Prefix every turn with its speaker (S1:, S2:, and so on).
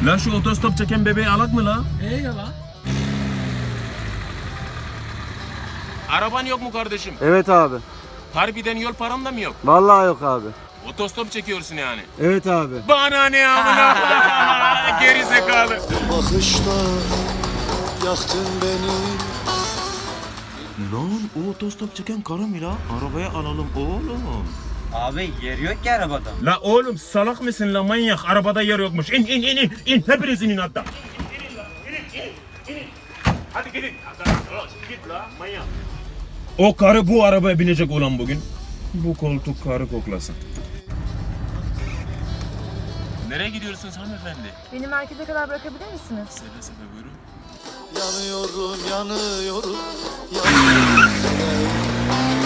S1: La şu otostop çeken bebeği alak mı la?
S2: Ya lan.
S1: Araban yok mu kardeşim?
S3: Evet abi.
S1: Harbiden yol paran da mı yok?
S3: Vallahi yok abi.
S1: Otostop çekiyorsun yani.
S3: Evet abi.
S1: Bana ne amına? Geri zekalı.
S4: Bakışta yaktın beni.
S1: Lan o otostop çeken karı mı la? Arabaya alalım oğlum.
S5: Abi yer yok ki arabada.
S1: La oğlum salak mısın la manyak? Arabada yer yokmuş. İn. Hepiniz inin hatta. İnin. Hadi gidin. Git la manyak. O karı bu arabaya binecek olan bugün. Bu koltuk karı koklasın. Nereye gidiyorsunuz hanımefendi?
S6: Beni merkeze kadar bırakabilir misiniz?
S1: Seve seve buyurun.
S4: Yanıyorum, yanıyorum, yanıyorum.